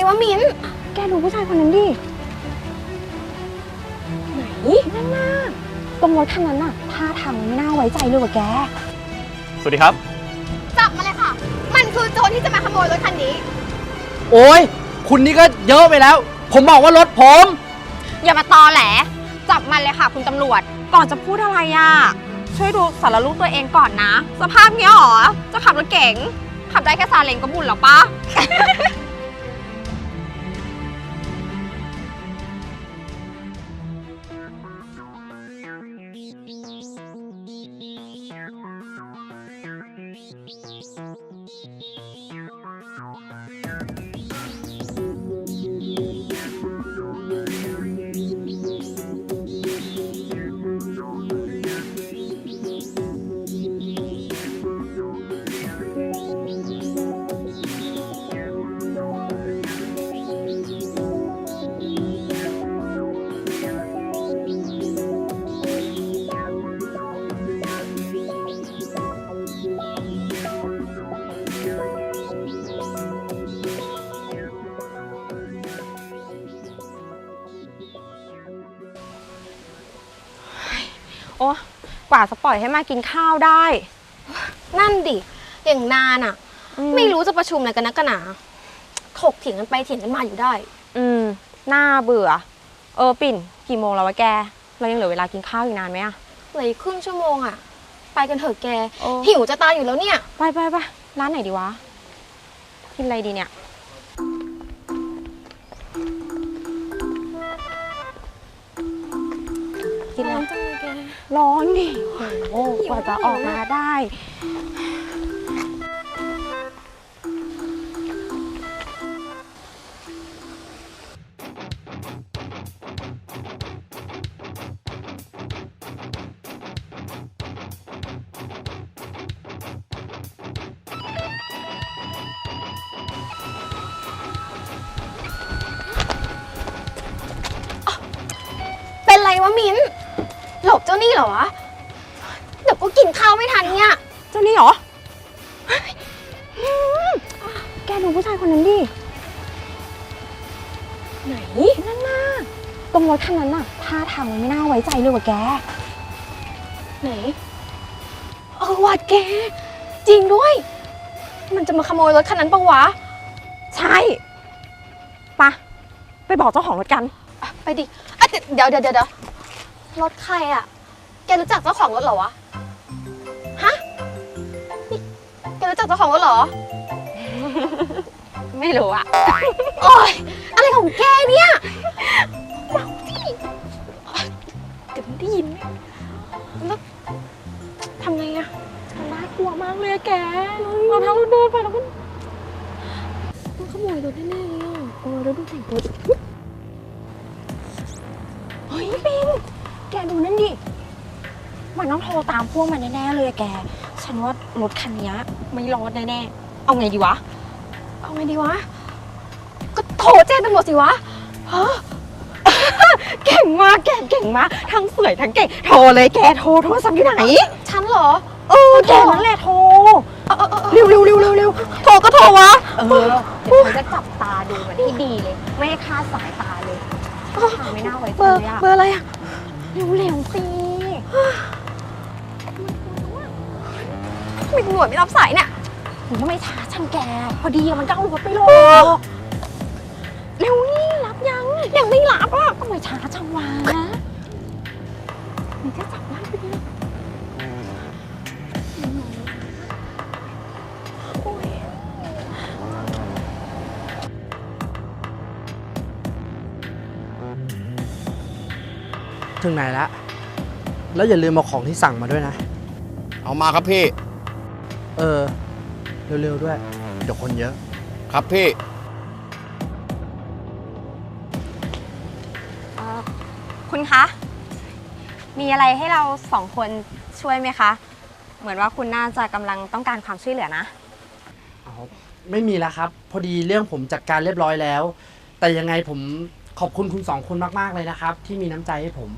วะมิ้นแกดูผู้ชายคนนั้นดิไหนนั่นน่ะตรงรถคันนั้นน่ะท่าทางไม่น่าไว้ใจเลยว่ะแกสวัสดีครับจับมาเลยค่ะมันคือโจรที่จะมาขโมยรถคันนี้โอ้ยคุณนี่ก็เยอะไปแล้วผมบอกว่ารถผมอย่ามาตอแหลจับมันเลยค่ะคุณตำรวจก่อนจะพูดอะไรอ่ะช่วยดูสารรูปตัวเองก่อนนะสภาพเนี้ยหรอจะขับรถเก๋งขับได้แค่ซาเล้งก็บุญหรอปะ โอ้กว่าจะปล่อยให้มากินข้าวได้นั่นดิอย่างนานอ่ะไม่รู้จะประชุมอะไรกันนักกันหนาถกเถียงกันไปเถียงกันมาอยู่ได้น่าเบื่อปิ่นกี่โมงแล้ววะแกเรายังเหลือเวลากินข้าวอีกนานไหมอะเหลืออีกครึ่งชั่วโมงอะไปกันเถอะแกหิวจะตายอยู่แล้วเนี่ยไปร้านไหนดีวะกินอะไรดีเนี่ยกินร้อนจังเลยแกร้อนดิโอ้กว่าจะออกมาได้เป็นไรวะมิ้นหลบเจ้านี่เหรอวะเดี๋ยวก็กินข้าวไม่ทันเนี่ยเจ้านี่เหรอแกดูผู้ชายคนนั้นดิไหนนั่นน่ะตรงรถคันนั้นน่ะท่าทางมันไม่น่าไว้ใจเลยว่ะแกไหนว่ะแกจริงด้วยมันจะมาขโมยรถคันนั้นปะวะใช่ไปบอกเจ้าของรถกันไปดิเดี๋ยวรถใครอ่ะแกรู้จักเจ้าของรถเหรอวะฮะนี่แกรู้จักเจ้าของรถเหรอไม่รู้อ่ะโอ๊ยอะไรของแกเนี่ยเมาดิเดี๋ยวมันได้ยินแล้วทำไงอ่ะน่ากลัวมากเลยแกเราทั้งเดินไปแล้วก็มันขโมยรถแน่ๆเลยอ่ะแล้วดูแต่งตัวเฮ้ยปิงแกดูนั่นดิมันต้องโทรตามพวกมันแน่ๆเลยแกฉันว่ารถคันนี้ไม่รอดแน่ๆเอาไงดีวะก็โทรแจ้งตำรวจสิวะฮะเก่งมากแกเก่งมากทั้งสวยทั้งเก่งโทรเลยแกโทรศัพท์อยู่ไหนฉันเหรอแกนั่นแหละโทรเร็วโทรก็โทรวะเดี๋ยวฉันจะจับตาดูมันให้ดีเลยไม่ให้คลาดสายตาเลยไม่น่าไว้ใจเลยอะเบอร์อะไรอะเร็วสิไม่ตำรวจไม่รับสายเนี่ยหรือว่าไม่ช้าฉันแกพอดีมันก็เอารถไปลงเร็วนี่รับยังไม่รับอ่ะก็ไม่ช้าจังวะมันจะจับได้ไปดิถึงไหนแล้วอย่าลืมเอาของที่สั่งมาด้วยนะเอามาครับพี่เร็วๆด้วยเดี๋ยวคนเยอะครับพี่คุณคะมีอะไรให้เราสองคนช่วยไหมคะเหมือนว่าคุณน่าจะกำลังต้องการความช่วยเหลือนะไม่มีแล้วครับพอดีเรื่องผมจัดการเรียบร้อยแล้วแต่ยังไงผมขอบคุณคุณสองคนมากๆเลยนะครับที่มีน้ำใจให้ผม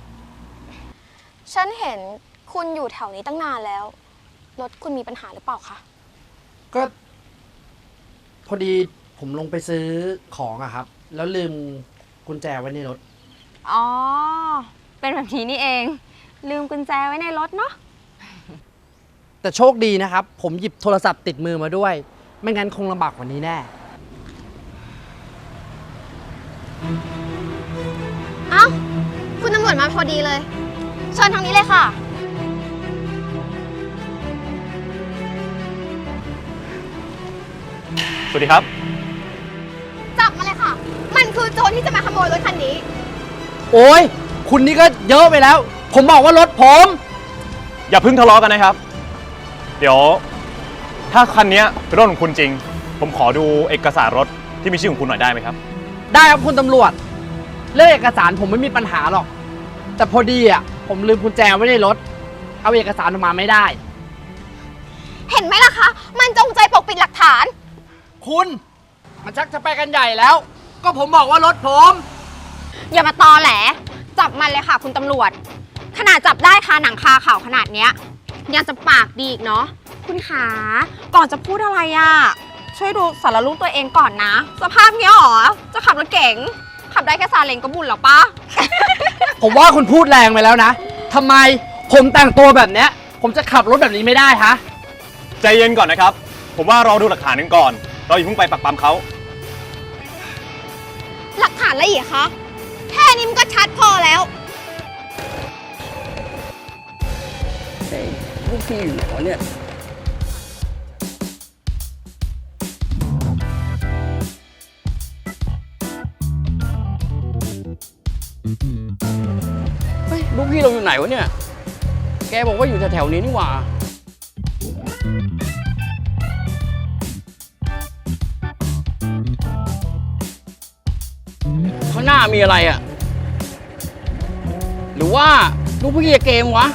ฉันเห็นคุณอยู่แถวนี้ตั้งนานแล้วรถคุณมีปัญหาหรือเปล่าคะก็พอดีผผมลงไปซื้อของอะครับ แล้วลืมกุญแจไว้ในรถอ๋อ เป็นแบบนี้นี่เอง ลืมกุญแจไว้ในรถเนาะแต่โชคดีนะครับ ผมหยิบโทรศัพท์ติดมือมาด้วย ไม่งั้นคงลำบากกว่านี้แน่เอ้า คุณตำรวจมาพอดีเลย เชิญทางนี้เลยค่ะสวัสดีครับจับมาเลยค่ะ มันคือโจรที่จะมาขโมยรถคันนี้โอ้ยคุณนี่ก็เยอะไปแล้ว ผมบอกว่ารถผมอย่าเพิ่งทะเลาะกันนะครับ เดี๋ยว ถ้าคันนี้เป็นรถของคุณจริง ผมขอดูเอกสารรถที่มีชื่อของคุณหน่อยได้ไหมครับได้ครับคุณตำรวจ เรื่องเอกสารผมไม่มีปัญหาหรอก แต่พอดีอ่ะผมลืมกุญแจไว้ในรถ เอาเอกสารออกมาไม่ได้เห็นไหมล่ะคะ มันจงใจปกปิดหลักฐานคุณมันชักจะไปกันใหญ่แล้ว ก็ผมบอกว่ารถผมอย่ามาตอแหล จับมันเลยค่ะคุณตำรวจ ขนาดจับได้คาหนังคาข่าวขนาดเนี้ยยังจะปากดีอีกเนาะ คุณขา ก่อนจะพูดอะไรอะช่วยดูสารรูปตัวเองก่อนนะ สภาพเนี้ยหรอ จะขับรถเก๋ง ขับได้แค่ซาเล้งก็บุญหรอปะผมว่าคุณพูดแรงไปแล้วนะทำไมผมแต่งตัวแบบเนี้ย ผมจะขับรถแบบนี้ไม่ได้ฮะใจเย็นก่อนนะครับ ผมว่ารอดูหลักฐานกันก่อน เราอย่าเพิ่งไปปักปั๊มเขาหลักฐานอะไรอีกคะ แค่นี้มันก็ชัดพอแล้วลูกพี่อยู่ไหนวะเนี่ย เฮ้ย ลูกพี่เราอยู่ไหนวะเนี่ย แกบอกว่าอยู่แถวๆนี้นี่หว่า ข้างหน้ามีอะไรอ่ะ หรือว่าลูกพี่เกมวะ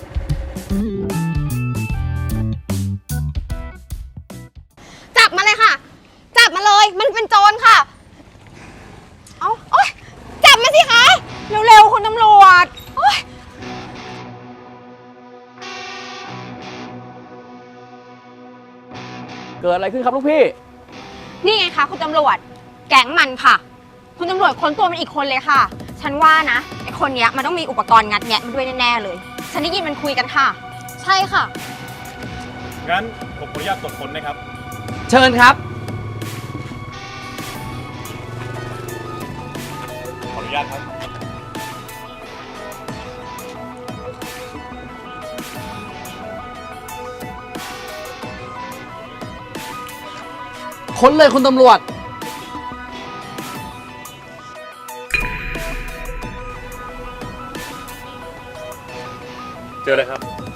จับมาเลยค่ะ จับมาเลย มันเป็นโจรค่ะ เอาโอ๊ย จับมาสิคะ เร็วๆคุณตำรวจโอ๊ยเกิดอะไรขึ้นครับลูกพี่นี่ไงคะคุณตำรวจ แก๊งมันค่ะ คุณตำรวจค้นตัวมันอีกคนเลยค่ะ ฉันว่านะไอคนเนี้ยมันต้องมีอุปกรณ์งัดแงะมันด้วยแน่ๆเลย ฉันได้ยินมันคุยกันค่ะ ใช่ค่ะงั้นผมขออนุญาตตรวจค้นนะครับเชิญครับขออนุญาตครับค้นเลยคุณตำรวจเจอเลยครับ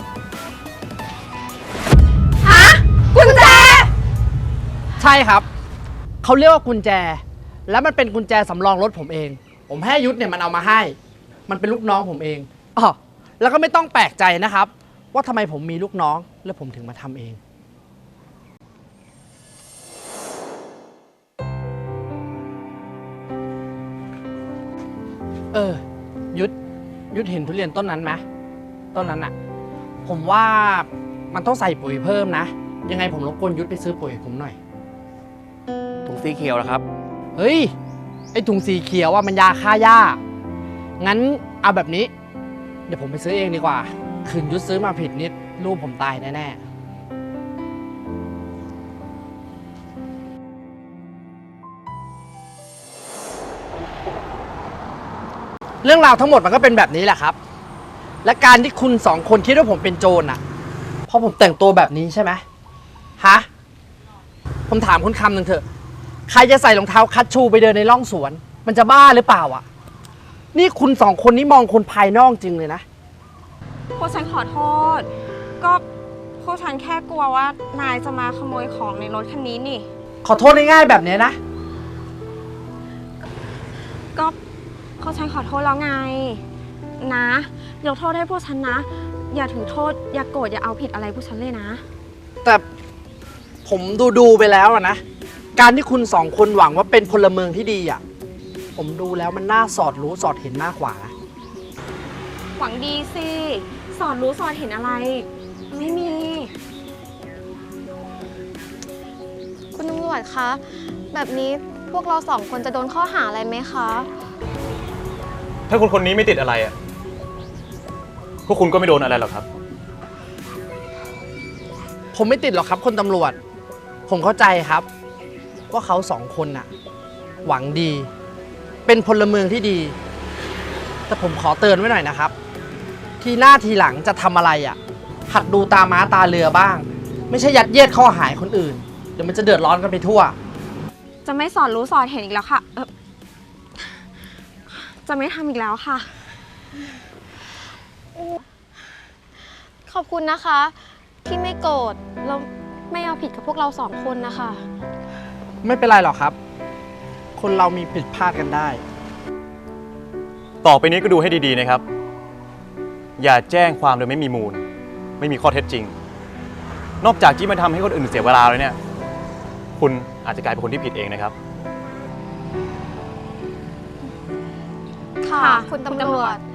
ฮะ กุญแจใช่ครับ เขาเรียกว่ากุญแจ แล้วมันเป็นกุญแจสำรองรถผมเอง ผมให้ยุทธเนี่ยมันเอามาให้ มันเป็นลูกน้องผมเองอ๋อแล้วก็ไม่ต้องแปลกใจนะครับ ว่าทำไมผมมีลูกน้อง แล้วผมถึงมาทำเอง ยุทธเห็นทุเรียนต้นนั้นไหมต้นนั้นอะผมว่ามันต้องใส่ปุ๋ยเพิ่มนะ ยังไงผมรบกวนยุทธไปซื้อปุ๋ยให้ผมหน่อยถุงสีเขียวแล้วครับเฮ้ย ไอถุงสีเขียวว่ามันยาฆ่าหญ้า งั้นเอาแบบนี้ เดี๋ยวผมไปซื้อเองดีกว่า คืนยุทธซื้อมาผิดนิดลูกผมตายแน่ๆเรื่องราวทั้งหมดมันก็เป็นแบบนี้แหละครับ และการที่คุณสองคนคิดว่าผมเป็นโจรอ่ะ เพราะผมแต่งตัวแบบนี้ใช่ไหมฮะ ผมถามคุณคำหนึ่งเถอะ ใครจะใส่รองเท้าคัชชูไปเดินในร่องสวน มันจะบ้าหรือเปล่าอ่ะ นี่คุณสองคนนี้มองคนภายนอกจริงเลยนะพวกฉันขอโทษ ก็พวกฉันแค่กลัวว่านายจะมาขโมยของในรถคันนี้นี่ขอโทษง่ายๆแบบนี้นะก็พวกฉันขอโทษแล้วไง นะยกโทษให้พวกฉันนะ อย่าถือโทษ อย่าโกรธ อย่าเอาผิดอะไรพวกฉันเลยนะแต่ผมดูไปแล้วอะนะ การที่คุณสองคนหวังว่าเป็นพลเมืองที่ดีอ่ะ ผมดูแล้วมันน่าสอดรู้สอดเห็นมากกว่านะหวังดีสิ สอนรู้สอนเห็นอะไร ไม่มี คุณตำรวจคะ แแบบนี้พวกเรา2 คนจะโดนข้อหาอะไรไหมคะถ้าคนนี้ไม่ติดอะไรอ่ะ พวกคุณก็ไม่โดนอะไรหรอกครับผมไม่ติดหรอกครับคุณตำรวจ ผมเข้าใจครับ ว่าเขา2 คนน่ะ หวังดี เป็นพลเมืองที่ดี แต่ผมขอเตือนไว้หน่อยนะครับ ทีหน้าทีหลังจะทำอะไรอ่ะหัดดูตาม้าตาเรือบ้าง ไม่ใช่ยัดเยียดข้อหาคนอื่น เดี๋ยวมันจะเดือดร้อนกันไปทั่วจะไม่สอนรู้สอนเห็นอีกแล้วค่ะจะไม่ทำอีกแล้วค่ะ ขอบคุณนะคะ ที่ไม่โกรธแล้วไม่เอาผิดกับพวกเรา2 คนนะคะไม่เป็นไรหรอกครับ คนเรามีผิดพลาดกันได้ต่อไปนี้ก็ดูให้ดีๆนะครับ อย่าแจ้งความโดยไม่มีมูล ไม่มีข้อเท็จจริง นอกจากที่มันทำให้คนอื่นเสียเวลาแล้วเนี่ย คุณอาจจะกลายเป็นคนที่ผิดเองนะครับค่ะ คุณตำรวจ